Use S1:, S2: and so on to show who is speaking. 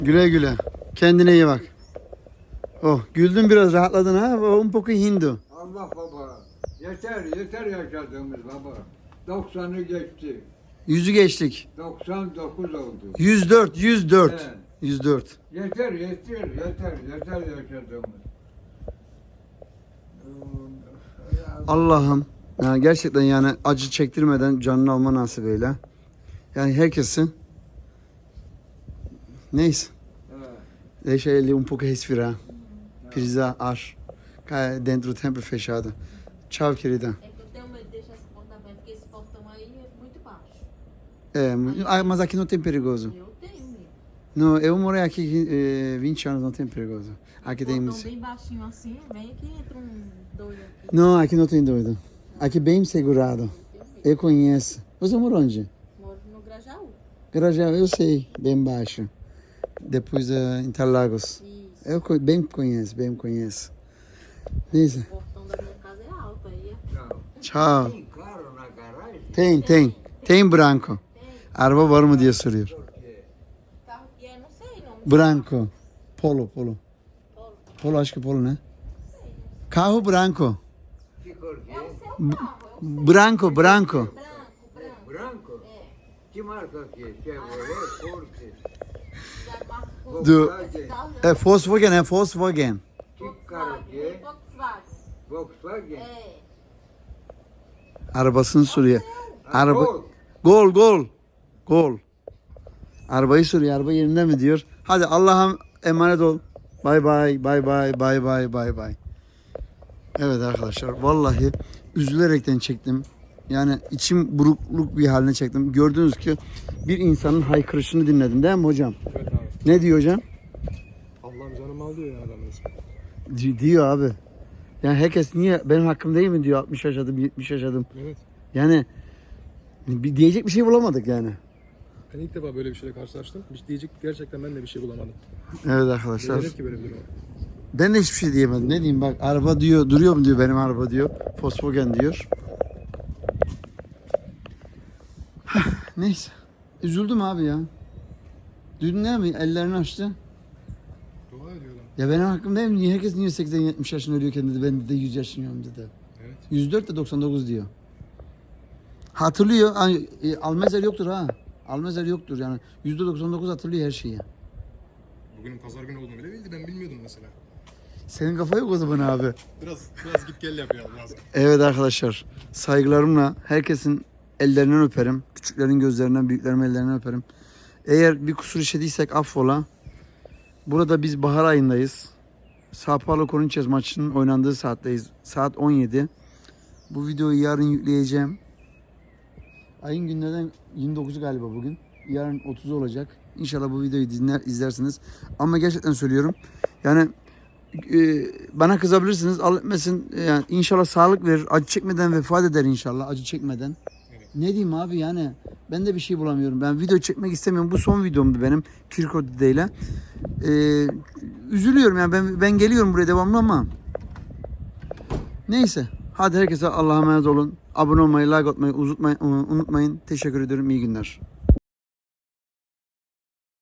S1: Güle güle. Kendine iyi bak. Oh, güldün biraz, rahatladın ha. Un poco Hindu.
S2: Allah baba. Yeter yaşadığımız baba. 90'ı geçti.
S1: 100'ü geçtik.
S2: 99 oldu.
S1: 104, 104.
S2: Evet.
S1: 104.
S2: Yeter yaşadığımız.
S1: Allah'ım yani gerçekten yani acı çektirmeden canını alma nasip eyle. Yani herkesin neyse.
S2: Evet.
S1: Deixa ele um pouco respirar. Precisa, acho. Cara, dentro do tempo fechado. Tchau, querida.
S3: É que eu tenho medo de deixar esse portão aberto, porque esse portão aí é muito baixo.
S1: Mas aqui não tem perigoso.
S3: Eu tenho medo.
S1: Não, eu morei aqui 20 anos, não tem perigoso. Aqui tem.
S3: Portão bem baixinho assim, vem aqui entra doido aqui.
S1: Não, aqui não tem doido. Aqui bem segurado. Eu conheço. Você mora onde?
S3: Moro no Grajaú.
S1: Grajaú, eu sei, bem baixo. Depois Interlagos.
S3: Isso.
S1: Eu bem conheço. Isso.
S3: O portão da minha casa é alto aí.
S2: Não.
S1: Tchau.
S2: Tem carro na garagem?
S1: Tem branco. Araba var mı diye soruyor.
S2: Por quê?
S3: Carro que é, não sei não.
S1: Branco. Polo.
S3: Polo.
S1: Polo, acho que polo, né? Carro branco.
S2: Que cor que
S3: É o
S2: é?
S3: seu carro, é o
S1: Branco.
S3: branco.
S2: Branco?
S3: É.
S2: Que marca que é? Chevrolet, Porsche,
S3: Da marca
S1: Do-
S2: Volkswagen?
S1: Volkswagen, é Volkswagen.
S2: Que carro que é?
S3: Volkswagen.
S2: Volkswagen?
S3: É.
S1: Arabasını soruyor. Araba.
S2: Gol.
S1: Gol. Arabayı soruyor. Araba yerinde mi diyor. Hadi Allah'a emanet ol. Bay bay. Evet arkadaşlar vallahi üzülerekten çektim. Yani içim burukluk bir haline çektim. Gördüğünüz ki bir insanın haykırışını dinledim değil mi hocam?
S4: Evet abi.
S1: Ne diyor hocam?
S4: Allah'ım canımı al diyor ya adamın ismi.
S1: Diyor abi. Yani herkes niye benim hakkım değil mi diyor 60 yaşadım 70 yaşadım.
S4: Evet.
S1: Yani diyecek bir şey bulamadık yani.
S4: Ben ilk defa böyle bir şeyle karşılaştım. Hiç diyecek gerçekten ben de bir şey bulamadım.
S1: Evet
S4: Ne
S1: arkadaşlar.
S4: denir ki böyle bir durum?
S1: Ben de hiçbir şey diyemedim. Ne diyeyim bak araba diyor duruyor mu diyor benim araba diyor. Volkswagen diyor. Neyse. Üzüldüm abi ya. Duydun değil mi? Ellerini açtı.
S4: Dua ediyor adam.
S1: Ya benim hakkım değil mi? Niye herkes niye 80-70 yaşında ölüyorken dedi. Ben de 100 yaşındayım dedi.
S4: Evet.
S1: 104 de 99 diyor. Hatırlıyor. Almezer yoktur ha. Almezer yoktur yani. %99 hatırlıyor her şeyi.
S4: Bugünün pazar günü olduğunu bile bildi. Ben bilmiyordum mesela.
S1: Senin kafa yok o zaman abi.
S4: Biraz git gel yapıyor lazım.
S1: Evet arkadaşlar. Saygılarımla herkesin ellerinden öperim. Küçüklerin gözlerinden, büyüklerin ellerinden öperim. Eğer bir kusur işlediysek affola. Burada biz bahar ayındayız. Sao Paulo Corinthians maçının oynandığı saatteyiz. Saat 17. Bu videoyu yarın yükleyeceğim. Ayın günlerden 29'u galiba bugün. Yarın 30'u olacak. İnşallah bu videoyu izlersiniz. Ama gerçekten söylüyorum. Yani bana kızabilirsiniz. Allah etmesin. Yani inşallah sağlık verir. Acı çekmeden vefat eder inşallah. Acı çekmeden.
S4: Evet.
S1: Ne diyeyim abi yani. Ben de bir şey bulamıyorum. Ben video çekmek istemiyorum. Bu son videomdu benim. Kirko Dide'yle. Üzülüyorum yani. Ben geliyorum buraya devamlı ama. Neyse. Hadi herkese Allah'a emanet olun. Abone olmayı, like atmayı unutmayın. Teşekkür ederim. İyi günler.